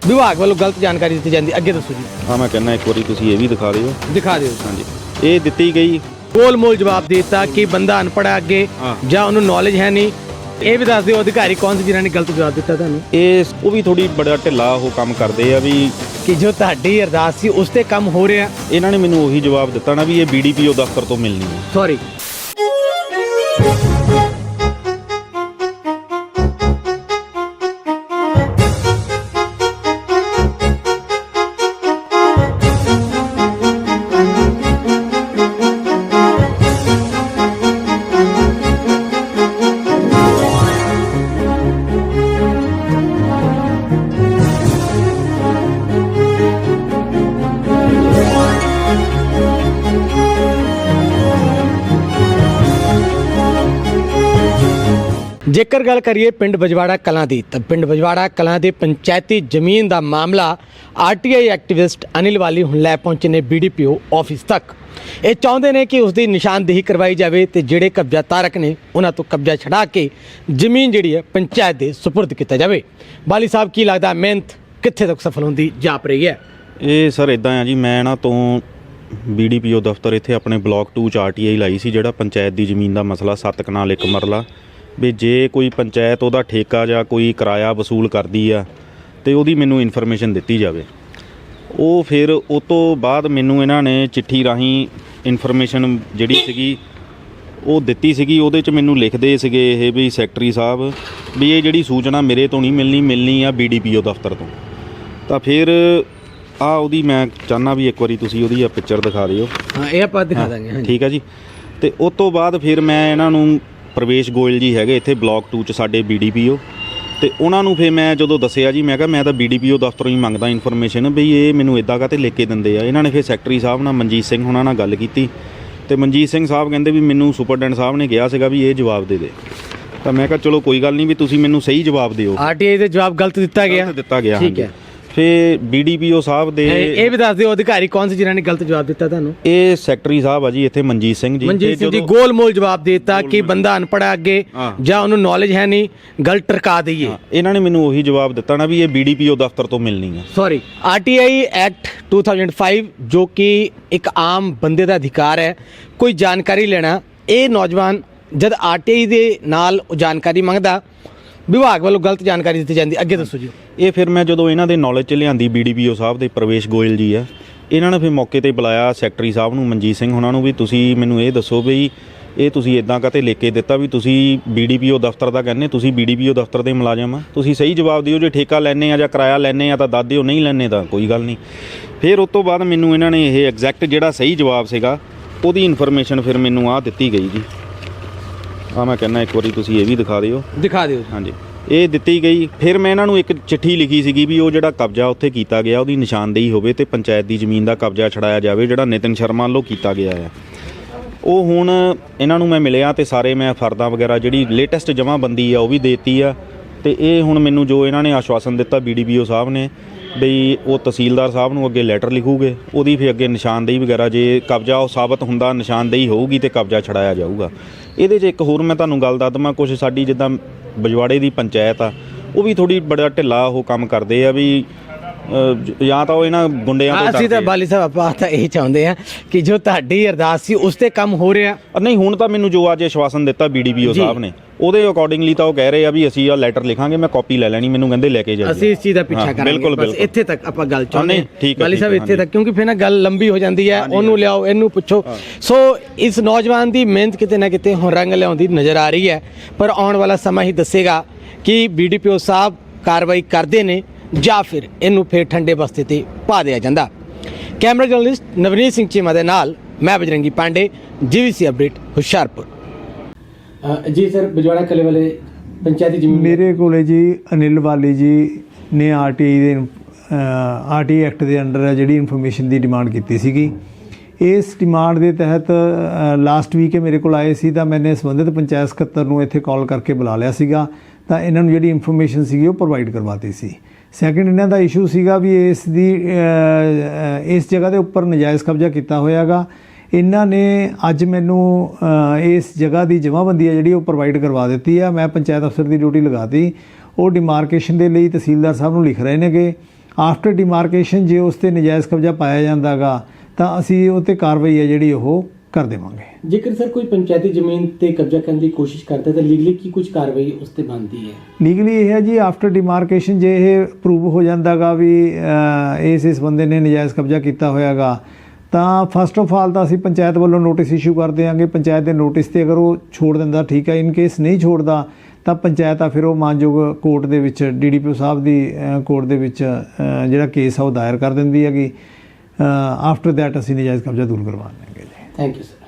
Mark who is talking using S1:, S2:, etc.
S1: विभाग वालों गलत जानकारी दी जाती, अगे दसो जी।
S2: हाँ मैं कहना एक बार तुसीं ये भी दिखा दिओ।
S1: दिखा दिओ।
S2: हाँ जी, ये दित्ती गई
S1: गोल मोल जवाब देता कि बंदा अनपढ़ है अगे ਜਾਂ ਉਹਨੂੰ नॉलेज है नहीं। ਇਹ ਵੀ ਦੱਸ ਦਿਓ ਅਧਿਕਾਰੀ ਕੌਣ ਸੀ ਜਿਨ੍ਹਾਂ ਨੇ ਗਲਤ ਜਵਾਬ ਦਿੱਤਾ ਤੁਹਾਨੂੰ?
S2: ਇਹ ਉਹ ਵੀ ਥੋੜੀ ਬੜਾ ਢਿੱਲਾ ਉਹ ਕੰਮ ਕਰਦੇ ਆ ਵੀ
S1: ਕਿ ਜੋ ਤੁਹਾਡੀ ਅਰਦਾਸ ਸੀ ਉਸ ਤੇ ਕੰਮ ਹੋ ਰਿਹਾ।
S2: ਇਹਨਾਂ ਨੇ ਮੈਨੂੰ ਉਹੀ ਜਵਾਬ ਦਿੱਤਾ ਨਾ ਵੀ ਇਹ BDPO ਦਫ਼ਤਰ ਤੋਂ ਮਿਲਣੀ ਹੈ।
S1: ਸੌਰੀ। ਜੇਕਰ ਗੱਲ ਕਰੀਏ ਪਿੰਡ ਬਜਵਾੜਾ ਕਲਾਂ ਦੀ ਤਾਂ ਪਿੰਡ ਬਜਵਾੜਾ ਕਲਾਂ ਦੇ ਪੰਚਾਇਤੀ ਜ਼ਮੀਨ ਦਾ ਮਾਮਲਾ RTI ਐਕਟਿਵਿਸਟ ਅਨਿਲ ਵਾਲੀ ਹੁਣ ਲੈ ਪਹੁੰਚੇ ਨੇ BDPO ਆਫਿਸ ਤੱਕ। ਇਹ ਚਾਹੁੰਦੇ ਨੇ ਕਿ ਉਸ ਦੀ ਨਿਸ਼ਾਨਦੇਹੀ ਕਰਵਾਈ ਜਾਵੇ ਤੇ ਜਿਹੜੇ ਕਬਜ਼ਾ ਤਾਰਕ ਨੇ ਉਹਨਾਂ ਤੋਂ ਕਬਜ਼ਾ ਛਡਾ ਕੇ ਜ਼ਮੀਨ ਜਿਹੜੀ ਹੈ ਪੰਚਾਇਤ ਦੇ ਸੁਪਰਦ ਕੀਤਾ ਜਾਵੇ। ਬਾਲੀ ਸਾਹਿਬ ਕੀ ਲੱਗਦਾ ਮਿਹਨਤ ਕਿੱਥੇ ਤੱਕ ਸਫਲ ਹੁੰਦੀ ਜਾਪ ਰਹੀ ਹੈ?
S2: ਇਹ ਸਰ ਇਦਾਂ ਆ ਜੀ, ਮੈਂ ਇਹਨਾਂ ਤੋਂ BDPO ਦਫ਼ਤਰ ਇੱਥੇ ਆਪਣੇ ਬਲਾਕ 2 ਚ RTI ਲਾਈ ਸੀ, ਜਿਹੜਾ ਪੰਚਾਇਤ ਦੀ ਜ਼ਮੀਨ ਦਾ ਮਸਲਾ 7 ਕਨਾਲ 1 ਮਰਲਾ ਵੀ ਜੇ ਕੋਈ ਪੰਚਾਇਤ ਉਹਦਾ ਠੇਕਾ ਜਾਂ ਕੋਈ ਕਿਰਾਇਆ ਵਸੂਲ ਕਰਦੀ ਆ ਤੇ ਉਹਦੀ ਮੈਨੂੰ ਇਨਫੋਰਮੇਸ਼ਨ ਦਿੱਤੀ ਜਾਵੇ। ਉਹ ਫਿਰ ਉਹ ਤੋਂ ਬਾਅਦ ਮੈਨੂੰ ਇਹਨਾਂ ਨੇ ਚਿੱਠੀ ਰਾਹੀਂ ਇਨਫੋਰਮੇਸ਼ਨ ਜਿਹੜੀ ਸੀਗੀ ਉਹ ਦਿੱਤੀ ਸੀਗੀ। ਉਹਦੇ 'ਚ ਮੈਨੂੰ ਲਿਖਦੇ ਸੀਗੇ ਇਹ ਵੀ ਸੈਕਟਰੀ ਸਾਹਿਬ ਵੀ ਇਹ ਜਿਹੜੀ ਸੂਚਨਾ ਮੇਰੇ ਤੋਂ ਨਹੀਂ ਮਿਲਣੀ ਆ BDPO ਦਫ਼ਤਰ ਤੋਂ। ਤਾਂ ਫਿਰ ਆ ਉਹਦੀ ਮੈਂ ਚਾਹੁੰਦਾ ਵੀ ਇੱਕ ਵਾਰੀ ਤੁਸੀਂ ਉਹਦੀ ਆ ਪਿਕਚਰ ਦਿਖਾ ਦਿਓ।
S1: ਹਾਂ ਇਹ ਆਪਾਂ ਦਿਖਾ ਦਾਂਗੇ।
S2: ਠੀਕ ਆ ਜੀ। ਤੇ ਉਸ ਤੋਂ ਬਾਅਦ ਫਿਰ ਮੈਂ ਇਹਨਾਂ ਨੂੰ ਪ੍ਰਵੇਸ਼ ਗੋਇਲ ਜੀ ਹੈਗੇ ਇੱਥੇ ਬਲਾਕ 2 ਚ ਸਾਡੇ BDPO, ਤੇ ਉਹਨਾਂ ਨੂੰ ਫਿਰ ਮੈਂ ਜਦੋਂ ਦੱਸਿਆ ਜੀ ਮੈਂ ਕਿਹਾ ਮੈਂ ਤਾਂ BDPO ਦਫ਼ਤਰੋਂ ਹੀ ਮੰਗਦਾ ਇਨਫੋਰਮੇਸ਼ਨ ਵੀ ਇਹ ਮੈਨੂੰ ਇੱਦਾਂ ਕਾਹਤੇ ਲਿਖ ਕੇ ਦਿੰਦੇ ਆ। ਇਹਨਾਂ ਨੇ ਫਿਰ ਸੈਕਟਰੀ ਸਾਹਿਬ ਨਾਲ ਮਨਜੀਤ ਸਿੰਘ ਉਹਨਾਂ ਨਾਲ ਗੱਲ ਕੀਤੀ ਤੇ ਮਨਜੀਤ ਸਿੰਘ ਸਾਹਿਬ ਕਹਿੰਦੇ ਵੀ ਮੈਨੂੰ ਸੁਪਰਡੈਂਟ ਸਾਹਿਬ ਨੇ ਕਿਹਾ ਸੀਗਾ ਵੀ ਇਹ ਜਵਾਬ ਦੇ ਦੇ। ਤਾਂ ਮੈਂ ਕਿਹਾ ਚਲੋ ਕੋਈ ਗੱਲ ਨਹੀਂ ਵੀ ਤੁਸੀਂ ਮੈਨੂੰ ਸਹੀ ਜਵਾਬ ਦਿਓ।
S1: RTI ਦੇ ਜਵਾਬ ਗਲਤ ਦਿੱਤਾ ਗਿਆ। ਠੀਕ ਹੈ।
S2: ਫਿਰ BDPO ਸਾਹਿਬ ਦੇ
S1: ਇਹ ਵੀ ਦੱਸ ਦਿਓ ਅਧਿਕਾਰੀ ਕੌਣ ਸੀ ਜਿਨ੍ਹਾਂ ਨੇ ਗਲਤ ਜਵਾਬ ਦਿੱਤਾ ਤੁਹਾਨੂੰ?
S2: ਇਹ ਸੈਕਟਰੀ ਸਾਹਿਬ ਆ ਜੀ ਇੱਥੇ ਮਨਜੀਤ ਸਿੰਘ ਜੀ।
S1: ਮਨਜੀਤ ਸਿੰਘ ਜੀ ਗੋਲ ਮੋਲ ਜਵਾਬ ਦੇਤਾ ਕਿ ਬੰਦਾ ਅਨਪੜ੍ਹ ਹੈ ਅੱਗੇ ਜਾਂ ਉਹਨੂੰ ਨੌਲੇਜ ਹੈ ਨਹੀਂ, ਗੱਲ ਟਰਕਾ ਦਈਏ।
S2: ਇਹਨਾਂ ਨੇ ਮੈਨੂੰ ਉਹੀ ਜਵਾਬ ਦਿੱਤਾ ਨਾ ਵੀ ਇਹ BDPO ਦਫ਼ਤਰ ਤੋਂ ਮਿਲਣੀ ਹੈ।
S1: ਸੌਰੀ। RTI ਐਕਟ 2005 ਜੋ ਕਿ ਇੱਕ ਆਮ ਬੰਦੇ ਦਾ ਅਧਿਕਾਰ ਹੈ ਕੋਈ ਜਾਣਕਾਰੀ ਲੈਣਾ। ਇਹ ਨੌਜਵਾਨ ਜਦ RTI ਦੇ ਨਾਲ ਜਾਣਕਾਰੀ ਮੰਗਦਾ ਵਿਭਾਗ ਵੱਲੋਂ ਗਲਤ ਜਾਣਕਾਰੀ ਦਿੱਤੀ ਜਾਂਦੀ, ਅੱਗੇ ਦੱਸੋ ਜੀ।
S2: ਇਹ ਫਿਰ ਮੈਂ ਜਦੋਂ ਇਹਨਾਂ ਦੇ ਨੌਲੇਜ 'ਚ ਲਿਆਂਦੀ BDPO ਸਾਹਿਬ ਦੇ ਪ੍ਰਵੇਸ਼ ਗੋਇਲ ਜੀ ਆ, ਇਹਨਾਂ ਨੇ ਫਿਰ ਮੌਕੇ 'ਤੇ ਬੁਲਾਇਆ ਸੈਕਟਰੀ ਸਾਹਿਬ ਨੂੰ ਮਨਜੀਤ ਸਿੰਘ ਉਹਨਾਂ ਨੂੰ ਵੀ ਤੁਸੀਂ ਮੈਨੂੰ ਇਹ ਦੱਸੋ ਵੀ ਇਹ ਤੁਸੀਂ ਇੱਦਾਂ ਕਾਹਤੇ ਲਿਖ ਕੇ ਦਿੱਤਾ ਵੀ ਤੁਸੀਂ BDPO ਦਫ਼ਤਰ ਦਾ ਕਹਿੰਦੇ, ਤੁਸੀਂ BDPO ਦਫ਼ਤਰ ਦੇ ਮੁਲਾਜ਼ਮ ਆ, ਤੁਸੀਂ ਸਹੀ ਜਵਾਬ ਦਿਓ। ਜੇ ਠੇਕਾ ਲੈਣੇ ਆ ਜਾਂ ਕਿਰਾਇਆ ਲੈਣੇ ਆ ਤਾਂ ਦੱਸ ਦਿਓ, ਨਹੀਂ ਲੈਣੇ ਤਾਂ ਕੋਈ ਗੱਲ ਨਹੀਂ। ਫਿਰ ਉਸ ਤੋਂ ਬਾਅਦ ਮੈਨੂੰ ਇਹਨਾਂ ਨੇ ਇਹ ਐਗਜ਼ੈਕਟ ਜਿਹੜਾ ਸਹੀ ਜਵਾਬ ਸੀਗਾ ਉਹਦੀ ਇਨਫੋਰਮੇਸ਼ਨ ਫਿਰ ਮੈਨੂੰ ਆ ਦਿੱਤੀ ਗਈ ਜੀ। ਆ ਮੈਂ ਕਹਿੰਦਾ ਇੱਕ ਵਾਰੀ ਤੁਸੀਂ ਇਹ ਵੀ ਦਿਖਾ ਦਿਓ।
S1: ਦਿਖਾ ਦਿਓ।
S2: ਹਾਂਜੀ ਇਹ ਦਿੱਤੀ ਗਈ। ਫਿਰ ਮੈਂ ਇਹਨਾਂ ਨੂੰ ਇੱਕ ਚਿੱਠੀ ਲਿਖੀ ਸੀਗੀ ਵੀ ਉਹ ਜਿਹੜਾ ਕਬਜ਼ਾ ਉੱਥੇ ਕੀਤਾ ਗਿਆ ਉਹਦੀ ਨਿਸ਼ਾਨਦੇਹੀ ਹੋਵੇ ਤੇ ਪੰਚਾਇਤ ਦੀ ਜ਼ਮੀਨ ਦਾ ਕਬਜ਼ਾ ਛਡਾਇਆ ਜਾਵੇ ਜਿਹੜਾ ਨਿਤਿਨ ਸ਼ਰਮਾ ਵੱਲੋਂ ਕੀਤਾ ਗਿਆ ਹੈ। ਉਹ ਹੁਣ ਇਹਨਾਂ ਨੂੰ ਮੈਂ ਮਿਲਿਆ ਤੇ ਸਾਰੇ ਮੈਂ ਫਰਦਾਂ ਵਗੈਰਾ ਜਿਹੜੀ ਲੇਟੈਸਟ ਜਮ੍ਹਾਂਬੰਦੀ ਆ ਉਹ ਵੀ ਦੇਤੀ ਆ। ਤੇ ਇਹ ਹੁਣ ਮੈਨੂੰ ਜੋ ਇਹਨਾਂ ਨੇ ਆਸ਼ਵਾਸਨ ਦਿੱਤਾ BDPO ਸਾਹਿਬ ਨੇ ਬਈ ਉਹ ਤਹਿਸੀਲਦਾਰ ਸਾਹਿਬ ਨੂੰ ਅੱਗੇ ਲੈਟਰ ਲਿਖੂਗੇ, ਉਹਦੀ ਫਿਰ ਅੱਗੇ ਨਿਸ਼ਾਨਦੇਹੀ ਵਗੈਰਾ ਜੇ ਕਬਜ਼ਾ ਉਹ ਸਾਬਤ ਹੁੰਦਾ ਨਿਸ਼ਾਨਦੇਹੀ ਹੋਊਗੀ ਤੇ ਕਬਜ਼ਾ ਛਡਾਇਆ ਜਾਊਗਾ। ਇਹਦੇ 'ਚ ਇੱਕ ਹੋਰ ਮੈਂ ਤੁਹਾਨੂੰ ਗੱਲ ਦੱਸ ਦਵਾਂ, ਕੁਛ ਸਾਡੀ ਜਿੱਦਾਂ ਬਜਵਾੜੇ ਦੀ ਪੰਚਾਇਤ ਆ ਉਹ ਵੀ ਥੋੜੀ ਬੜਾ ਢਿੱਲਾ ਉਹ ਕੰਮ ਕਰਦੇ ਆ ਵੀ ਜਾਂ ਤਾਂ ਉਹ ਇਹਨਾਂ ਗੁੰਡਿਆਂ ਤੋਂ
S1: ਅਸੀਂ ਤਾਂ ਬਾਲੀ ਸਾਹਿਬ ਆਪਾਂ ਤਾਂ ਇਹ ਚਾਹੁੰਦੇ ਆ ਕਿ ਜੋ ਤੁਹਾਡੀ ਅਰਦਾਸ ਸੀ ਉਸ ਤੇ ਕੰਮ ਹੋ ਰਿਹਾ।
S2: ਨਹੀਂ ਹੁਣ ਤਾਂ ਮੈਨੂੰ ਜੋ ਅੱਜ ਆਸ਼ਵਾਸਨ ਦਿੱਤਾ BDPO ਸਾਹਿਬ ਨੇ ਉਹਦੇ ਅਕੋਰਡਿੰਗਲੀ ਤਾਂ ਉਹ ਕਹਿ ਰਹੇ ਆ ਵੀ ਅਸੀਂ ਆ ਲੈਟਰ ਲਿਖਾਂਗੇ, ਮੈਂ ਕਾਪੀ ਲੈ ਲੈਣੀ, ਮੈਨੂੰ ਕਹਿੰਦੇ ਲੈ ਕੇ ਜਾਓ। ਅਸੀਂ
S1: ਇਸ ਚੀਜ਼ ਦਾ ਪਿੱਛਾ ਕਰਾਂਗੇ। ਬਸ ਇੱਥੇ ਤੱਕ ਆਪਾਂ ਗੱਲ ਚਾਹੁੰਦੇ ਹਾਂ ਬਾਲੀ ਸਾਹਿਬ, ਇੱਥੇ ਤੱਕ, ਕਿਉਂਕਿ ਫਿਰ ਨਾ ਗੱਲ ਲੰਬੀ ਹੋ ਜਾਂਦੀ ਹੈ। ਉਹਨੂੰ ਲਿਆਓ, ਇਹਨੂੰ ਪੁੱਛੋ। ਸੋ ਇਸ ਨੌਜਵਾਨ ਦੀ ਮਿਹਨਤ ਕਿਤੇ ਨਾ ਕਿਤੇ ਹੁਣ ਰੰਗ ਲਿਆਉਂਦੀ ਨਜ਼ਰ ਆ ਰਹੀ ਹੈ, ਪਰ ਆਉਣ ਵਾਲਾ ਸਮਾਂ ਹੀ ਦੱਸੇਗਾ ਕਿ BDPO ਸਾਹਿਬ ਕਾਰਵਾਈ ਕਰਦੇ ਨੇ ਜਾਂ ਫਿਰ ਇਹਨੂੰ ਫਿਰ ਠੰਡੇ ਬਸਤੇ ਤੇ ਪਾ ਦਿਆ ਜਾਂਦਾ। ਕੈਮਰਾ ਜਰਨਲਿਸਟ ਨਵਨੀਤ ਸਿੰਘ ਚੀਮਾ ਦੇ ਨਾਲ ਮੈਂ ਬਜਰੰਗੀ ਪਾਂਡੇ, GVC ਅਪਡੇਟ ਹੁਸ਼ਿਆਰਪੁਰ। ਜੀ ਸਰ, ਬਜਵਾੜਾ ਕਲੇ ਵਾਲੇ ਪੰਚਾਇਤੀ ਜ਼ਮੀਨ
S3: ਮੇਰੇ ਕੋਲੇ ਜੀ ਅਨਿਲ ਵਾਲੀ ਜੀ ਨੇ RTI ਐਕਟ ਦੇ ਅੰਡਰ ਜਿਹੜੀ ਇਨਫੋਰਮੇਸ਼ਨ ਦੀ ਡਿਮਾਂਡ ਕੀਤੀ ਸੀਗੀ। ਇਸ ਡਿਮਾਂਡ ਦੇ ਤਹਿਤ ਲਾਸਟ ਵੀਕ ਮੇਰੇ ਕੋਲ ਆਏ ਸੀ ਤਾਂ ਮੈਨੇ ਸੰਬੰਧਿਤ ਪੰਚਾਇਤ ਸਕੱਤਰ ਨੂੰ ਇੱਥੇ ਕਾਲ ਕਰਕੇ ਬੁਲਾ ਲਿਆ ਸੀਗਾ ਤਾਂ ਇਹਨਾਂ ਨੂੰ ਜਿਹੜੀ ਇਨਫੋਰਮੇਸ਼ਨ ਸੀਗੀ ਉਹ ਪ੍ਰੋਵਾਈਡ ਕਰਵਾਤੀ ਸੀ। ਸੈਕਿੰਡ ਇਹਨਾਂ ਦਾ ਇਸ਼ੂ ਸੀਗਾ ਵੀ ਇਸ ਜਗ੍ਹਾ ਦੇ ਉੱਪਰ ਨਜਾਇਜ਼ ਕਬਜ਼ਾ ਕੀਤਾ ਹੋਇਆਗਾ। ਇਹਨਾਂ ਨੇ ਅੱਜ ਮੈਨੂੰ ਇਸ ਜਗ੍ਹਾ ਦੀ ਜਮ੍ਹਾਂਬੰਦੀ ਹੈ ਜਿਹੜੀ ਉਹ ਪ੍ਰੋਵਾਈਡ ਕਰਵਾ ਦਿੱਤੀ ਆ। ਮੈਂ ਪੰਚਾਇਤ ਅਫਸਰ ਦੀ ਡਿਊਟੀ ਲਗਾਤੀ। ਉਹ ਡਿਮਾਰਕੇਸ਼ਨ ਦੇ ਲਈ ਤਹਿਸੀਲਦਾਰ ਸਾਹਿਬ ਨੂੰ ਲਿਖ ਰਹੇ ਨੇਗੇ ਆਫਟਰ ਡਿਮਾਰਕੇਸ਼ਨ ਜੇ ਉਸ 'ਤੇ ਨਜਾਇਜ਼ ਕਬਜ਼ਾ ਪਾਇਆ ਜਾਂਦਾ ਗਾ ਤਾਂ ਅਸੀਂ ਉਹ 'ਤੇ ਕਾਰਵਾਈ ਹੈ ਜਿਹੜੀ ਉਹ ਕਰ ਦੇਵਾਂਗੇ।
S1: ਜੇਕਰ ਸਰ ਕੋਈ ਪੰਚਾਇਤੀ ਜ਼ਮੀਨ ਤੇ ਕਬਜ਼ਾ ਕਰਨ ਦੀ ਕੋਸ਼ਿਸ਼ ਕਰਦਾ ਤਾਂ ਲੀਗਲੀ ਕੀ ਕੁਝ ਕਾਰਵਾਈ ਉਸ ਤੇ ਬਣਦੀ ਹੈ?
S3: ਲੀਗਲੀ ਇਹ ਹੈ ਜੀ, ਆਫਟਰ ਡਿਮਾਰਕੇਸ਼ਨ ਜੇ ਇਹ ਪ੍ਰੂਵ ਹੋ ਜਾਂਦਾ ਗਾ ਵੀ ਇਸ ਬੰਦੇ ਨੇ ਨਜਾਇਜ਼ ਕਬਜ਼ਾ ਕੀਤਾ ਹੋਇਆਗਾ ਤਾਂ ਫਸਟ ਆਫ ਆਲ ਤਾਂ ਅਸੀਂ ਪੰਚਾਇਤ ਵੱਲੋਂ ਨੋਟਿਸ ਇਸ਼ੂ ਕਰ ਦਿਆਂਗੇ। ਪੰਚਾਇਤ ਦੇ ਨੋਟਿਸ ਤੇ ਅਗਰ ਉਹ ਛੋੜ ਦਿੰਦਾ ਠੀਕ ਹੈ, ਇਨ ਕੇਸ ਨਹੀਂ ਛੋੜਦਾ ਤਾਂ ਪੰਚਾਇਤ ਆ ਫਿਰ ਉਹ ਮਾਨਯੋਗ ਕੋਰਟ ਦੇ ਵਿੱਚ DDPO ਸਾਹਿਬ ਦੀ ਕੋਰਟ ਦੇ ਵਿੱਚ ਜਿਹੜਾ ਕੇਸ ਆ ਉਹ ਦਾਇਰ ਕਰ ਦਿੰਦੀ ਹੈਗੀ। ਆਫਟਰ ਦੈਟ ਅਸੀਂ ਨਜਾਇਜ਼ ਕਬਜ਼ਾ ਦੂਰ ਕਰਵਾ ਦਿਆਂਗੇ ਜੀ।
S1: Thank you sir.